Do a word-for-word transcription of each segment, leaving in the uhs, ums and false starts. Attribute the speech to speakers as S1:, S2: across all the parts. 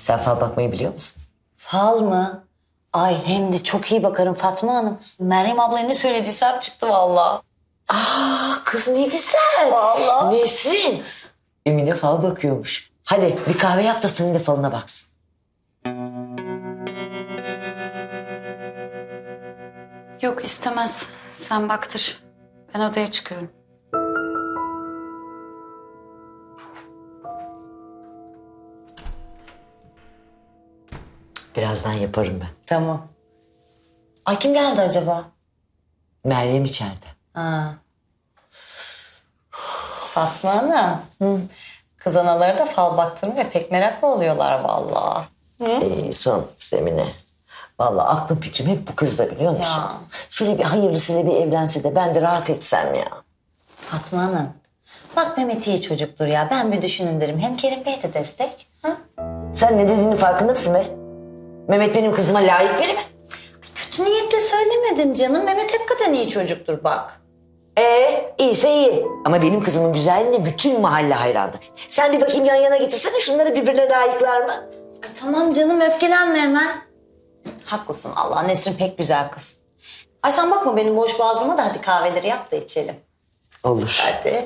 S1: Sen fal bakmayı biliyor musun?
S2: Fal mı? Ay hem de çok iyi bakarım Fatma Hanım. Meryem abla ne söylediysem çıktı vallahi.
S1: Aa kız ne güzel.
S2: Vallahi.
S1: Nesrin. Emine fal bakıyormuş. Hadi bir kahve yap da senin de falına baksın.
S3: Yok istemez. Sen baktır. Ben odaya çıkıyorum.
S1: Birazdan yaparım ben.
S2: Tamam. Ay kim geldi acaba?
S1: Meryem içeride.
S2: Ha. Fatma Hanım. Hı. Kız anaları da fal baktırmaya pek meraklı oluyorlar vallahi.
S1: Ee, son kız Emine. Vallahi aklım fikrim hep bu kızda biliyor musun?
S2: Ya.
S1: Şöyle bir hayırlısıyla bir evlense de ben de rahat etsem ya.
S2: Fatma Hanım. Bak Mehmet iyi çocuktur ya. Ben bir düşünün derim. Hem Kerim Bey de destek. Ha?
S1: Sen ne dediğinin farkında mısın be? Mehmet benim kızıma layık biri mi?
S2: Kötü niyetle söylemedim canım. Mehmet hakikaten iyi çocuktur bak.
S1: Ee, iyiyse iyi. Ama benim kızımın güzelliğine bütün mahalle hayrandı. Sen bir bakayım yan yana getirsene şunları birbirine layıklar mı?
S2: Ay tamam canım öfkelenme hemen. Haklısın Allah. Nesrin pek güzel kız. Ay sen bakma benim boş boğazıma da hadi kahveleri yap da içelim.
S1: Olur.
S2: Hadi.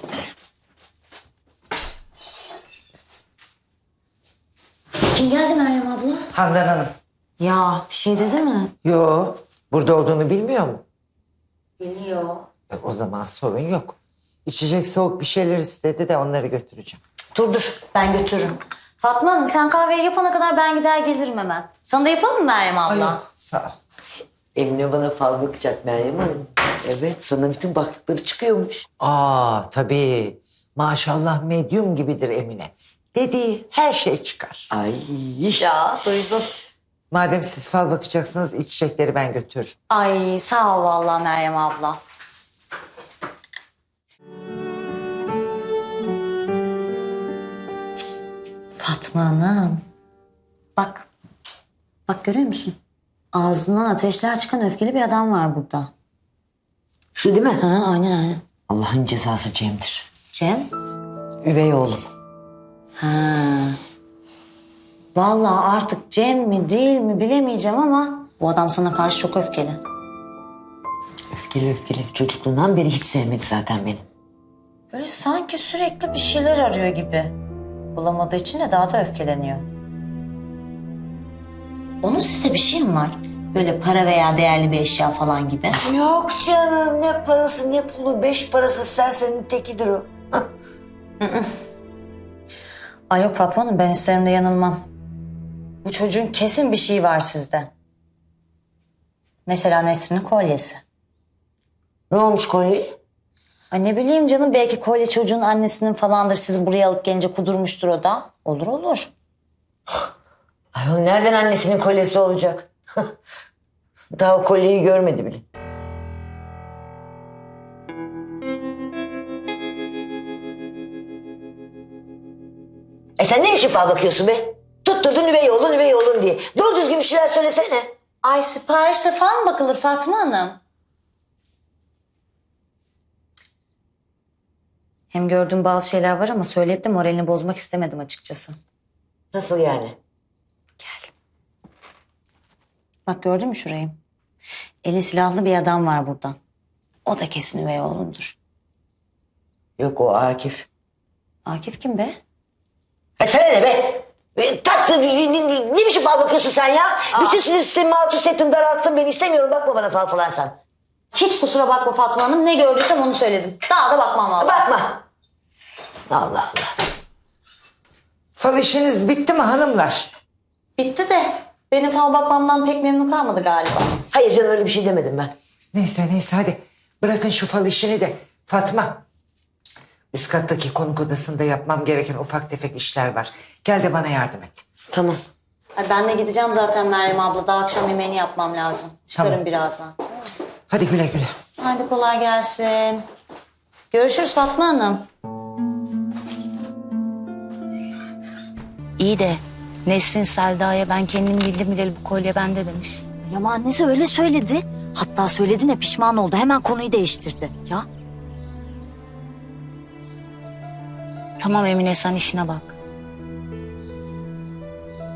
S2: Kim geldi Meryem abla?
S4: Handan Hanım.
S2: Ya bir şey dedi mi?
S4: Yo, burada olduğunu bilmiyor mu?
S2: Biliyor.
S4: E, o zaman sorun yok. İçecek soğuk bir şeyler istedi de onları götüreceğim.
S2: Dur dur ben götürürüm. Fatma Hanım sen kahveyi yapana kadar ben gider gelirim hemen. Sana da yapalım mı Meryem abla?
S4: Ay yok, sağ ol.
S1: Emine bana fal bakacak Meryem Hanım. Evet sana bütün baktıkları çıkıyormuş.
S4: Aa tabii. Maşallah medyum gibidir Emine. Dediği her şey çıkar.
S1: Ay.
S2: Ya duydum.
S4: Madem siz fal bakacaksınız içecekleri ben götürürüm.
S2: Ay sağ ol vallahi Meryem abla. Cık, Fatma Hanım. Bak. Bak görüyor musun? Ağzından ateşler çıkan öfkeli bir adam var burada.
S1: Şu değil mi?
S2: Ha aynen aynen.
S1: Allah'ın cezası Cem'dir.
S2: Cem?
S1: Üvey oğlum.
S2: Ha. Vallahi artık Cem mi değil mi bilemeyeceğim ama bu adam sana karşı çok öfkeli.
S1: Öfkeli öfkeli. Çocukluğundan beri hiç sevmedi zaten beni.
S2: Böyle sanki sürekli bir şeyler arıyor gibi. Bulamadığı için de daha da öfkeleniyor. Onun sizde bir şey mi var? Böyle para veya değerli bir eşya falan gibi.
S1: Yok canım ne parası ne pulu. Beş parası serserinin tekidir o.
S2: Ay yok Fatma Hanım ben isterim de yanılmam. Bu çocuğun kesin bir şeyi var sizde. Mesela Nesrin'in kolyesi.
S1: Ne olmuş kolye?
S2: Ay ne bileyim canım belki kolye çocuğun annesinin falandır. Sizi buraya alıp gelince kudurmuştur o da. Olur olur.
S1: Ayol nereden annesinin kolyesi olacak? Daha o kolyeyi görmedi bile. E sen ne biçim fal bakıyorsun be? Tutturdun üvey oğlun üvey oğlun diye. Doğru düzgün bir şeyler söylesene.
S2: Ay siparişte falan mı bakılır Fatma Hanım? Hem gördüğüm bazı şeyler var ama söyleyip de moralini bozmak istemedim açıkçası.
S1: Nasıl yani?
S2: Gel. Bak gördün mü şurayı? Eli silahlı bir adam var burada. O da kesin üvey oğlundur.
S1: Yok o Akif.
S2: Akif kim be?
S1: E sana ne be? E, taktı, ne, ne, ne biçim fal bakıyorsun sen ya? Bütün sinir sistemimi alt üst ettin, daralttın beni. İstemiyorum bakma bana fal falan sen.
S2: Hiç kusura bakma Fatma Hanım. Ne gördüysem onu söyledim. Daha da bakmam vallahi.
S1: Bakma. Allah Allah.
S4: Fal işiniz bitti mi hanımlar?
S2: Bitti de benim fal bakmamdan pek memnun kalmadı galiba.
S1: Hayır canım öyle bir şey demedim ben.
S4: Neyse neyse hadi bırakın şu fal işini de. Fatma. Üst kattaki konuk odasında yapmam gereken ufak tefek işler var. Gel de bana yardım et.
S1: Tamam.
S2: Ay ben de gideceğim zaten Meryem abla. Daha akşam yemeğini yapmam lazım. Çıkarım
S4: Tamam.
S2: birazdan.
S4: Hadi güle güle.
S2: Hadi kolay gelsin. Görüşürüz Fatma Hanım.
S5: İyi de Nesrin Selda'ya ben kendim bildim bileli bu kolye bende demiş.
S6: Ama annesi öyle söyledi. Hatta söylediğine pişman oldu. Hemen konuyu değiştirdi. Ya
S5: Tamam Emine sen işine bak.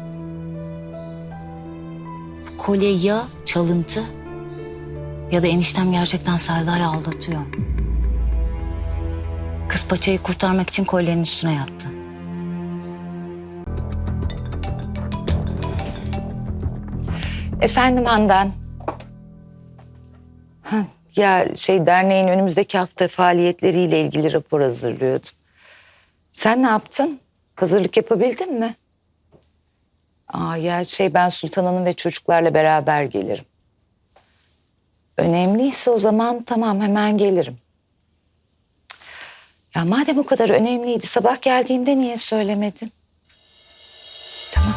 S5: kolye ya çalıntı ya da eniştem gerçekten Selda'yı aldatıyor. Kız paçayı kurtarmak için kolyenin üstüne yattı.
S7: Efendim Handan. Ha, ya şey derneğin önümüzdeki hafta faaliyetleriyle ilgili rapor hazırlıyordum. Sen ne yaptın? Hazırlık yapabildin mi? Aa, ya şey ben Sultan Hanım ve çocuklarla beraber gelirim. Önemliyse o zaman tamam hemen gelirim. Ya madem o kadar önemliydi sabah geldiğimde niye söylemedin? Tamam.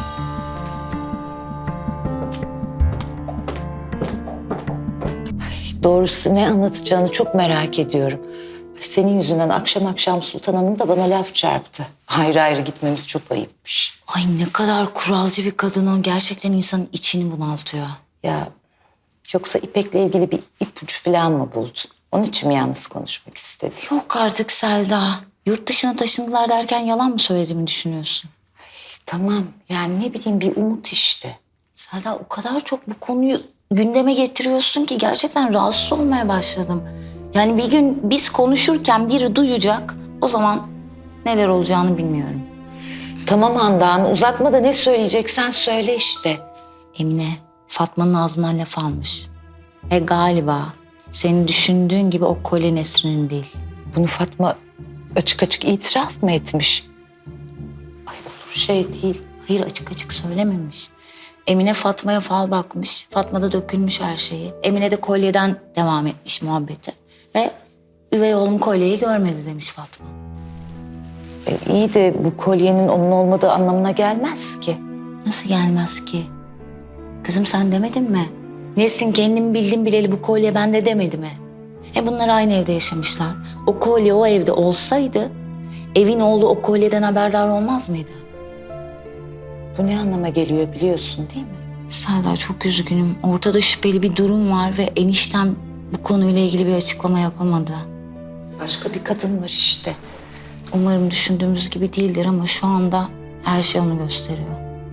S7: Ay, doğrusu ne anlatacağını çok merak ediyorum. Senin yüzünden akşam akşam Sultan Hanım da bana laf çarptı. Ayrı ayrı gitmemiz çok ayıpmış.
S5: Ay ne kadar kuralcı bir kadın o. Gerçekten insanın içini bunaltıyor.
S7: Ya yoksa İpek'le ilgili bir ipucu falan mı buldun? Onun için mi yalnız konuşmak istedin?
S5: Yok artık Selda. Yurt dışına taşındılar derken yalan mı söylediğimi düşünüyorsun?
S7: Tamam yani ne bileyim bir umut işte.
S5: Selda o kadar çok bu konuyu gündeme getiriyorsun ki gerçekten rahatsız olmaya başladım. Yani bir gün biz konuşurken biri duyacak. O zaman neler olacağını bilmiyorum.
S7: Tamam Handan uzatma da ne söyleyeceksen söyle işte.
S5: Emine Fatma'nın ağzından laf almış. Ve galiba senin düşündüğün gibi o kolye Nesrin'in değil.
S7: Bunu Fatma açık açık itiraf mı etmiş?
S5: Ay olur şey değil. Hayır açık açık söylememiş. Emine Fatma'ya fal bakmış. Fatma'da dökülmüş her şeyi. Emine de kolyeden devam etmiş muhabbeti. Ve üvey oğlum kolyeyi görmedi demiş Fatma.
S7: E, iyi de bu kolyenin onun olmadığı anlamına gelmez ki.
S5: Nasıl gelmez ki? Kızım sen demedin mi? Nesin kendim bildim bileli bu kolye bende demedi mi? E bunlar aynı evde yaşamışlar. O kolye o evde olsaydı evin oğlu o kolyeden haberdar olmaz mıydı?
S7: Bu ne anlama geliyor biliyorsun değil mi?
S5: Selda çok üzgünüm. Ortada şüpheli bir durum var ve eniştem bu konuyla ilgili bir açıklama yapamadı.
S7: Başka bir kadın var işte.
S5: Umarım düşündüğümüz gibi değildir ama şu anda her şey onu gösteriyor.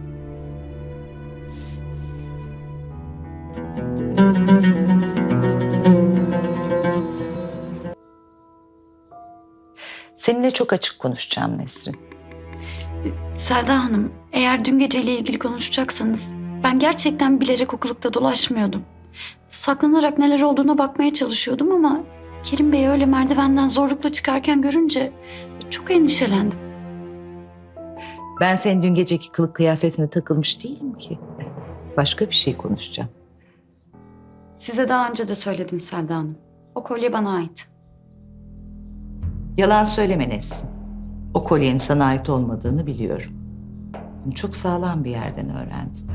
S7: Seninle çok açık konuşacağım Nesrin.
S3: Selda Hanım, eğer dün geceyle ilgili konuşacaksanız ben gerçekten bilerek okulukta dolaşmıyordum. Saklanarak neler olduğuna bakmaya çalışıyordum ama Kerim Bey'i öyle merdivenden zorlukla çıkarken görünce çok endişelendim.
S7: Ben senin dün geceki kılık kıyafetine takılmış değilim ki. Başka bir şey konuşacağım.
S3: Size daha önce de söyledim Selda Hanım. O kolye bana ait.
S7: Yalan söyleme Nesrin. O kolyenin sana ait olmadığını biliyorum. Bunu çok sağlam bir yerden öğrendim.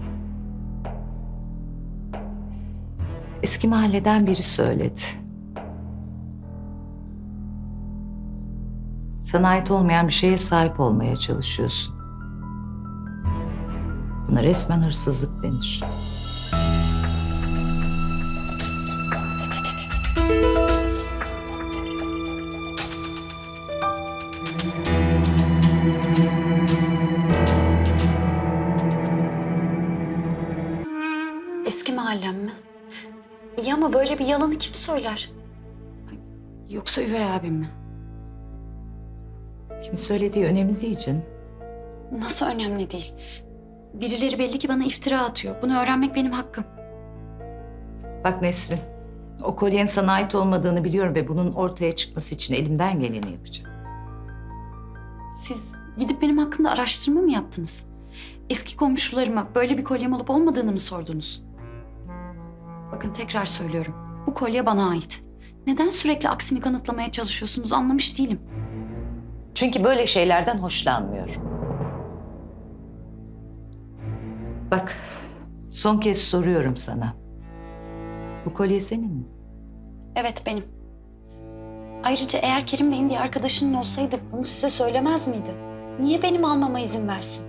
S7: Eski mahalleden biri söyledi. Sana ait olmayan bir şeye sahip olmaya çalışıyorsun. Buna resmen hırsızlık denir.
S3: Eski mahallem mi? İyi ama böyle bir yalanı kim söyler? Ay, yoksa üvey abim mi?
S7: Kimin söylediği önemli değil canım.
S3: Nasıl önemli değil? Birileri belli ki bana iftira atıyor. Bunu öğrenmek benim hakkım.
S7: Bak Nesrin, o kolyenin sana ait olmadığını biliyorum ve bunun ortaya çıkması için elimden geleni yapacağım.
S3: Siz gidip benim hakkımda araştırma mı yaptınız? Eski komşularıma böyle bir kolyem olup olmadığını mı sordunuz? Bakın tekrar söylüyorum. Bu kolye bana ait. Neden sürekli aksini kanıtlamaya çalışıyorsunuz anlamış değilim.
S7: Çünkü böyle şeylerden hoşlanmıyorum. Bak, son kez soruyorum sana. Bu kolye senin mi?
S3: Evet benim. Ayrıca eğer Kerim Bey'in bir arkadaşının olsaydı bunu size söylemez miydi? Niye benim almama izin versin?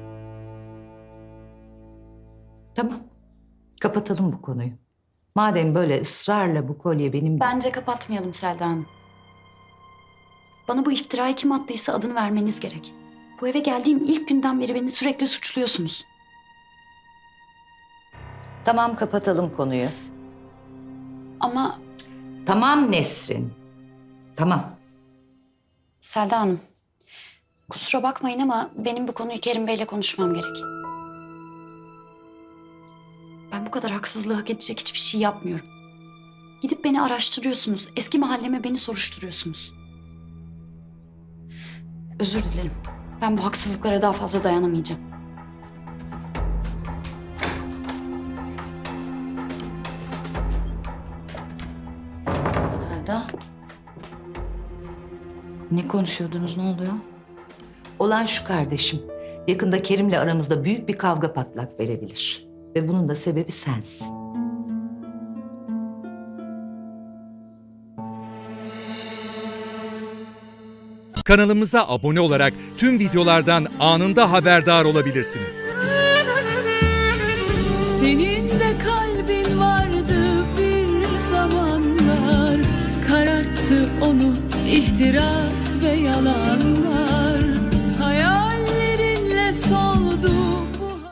S7: Tamam, kapatalım bu konuyu. Madem böyle ısrarla bu kolye benim...
S3: Bence kapatmayalım Selda Hanım. Bana bu iftirayı kim attıysa adını vermeniz gerek. Bu eve geldiğim ilk günden beri beni sürekli suçluyorsunuz.
S7: Tamam, kapatalım konuyu.
S3: Ama
S7: Tamam Nesrin. Tamam.
S3: Selda Hanım, kusura bakmayın ama benim bu konuyu Kerim Bey'le konuşmam gerek. Ben bu kadar haksızlığı hak edecek hiçbir şey yapmıyorum. Gidip beni araştırıyorsunuz, eski mahalleme beni soruşturuyorsunuz. Özür dilerim. Ben bu haksızlıklara daha fazla dayanamayacağım.
S5: Selda. Ne konuşuyordunuz, ne oluyor?
S7: Olan şu kardeşim. Yakında Kerim'le aramızda büyük bir kavga patlak verebilir. Ve bunun da sebebi sensin.
S8: Kanalımıza abone olarak tüm videolardan anında haberdar olabilirsiniz.
S9: Senin de kalbin vardı bir zamanlar, kararttı onu ihtiras ve yalanlar.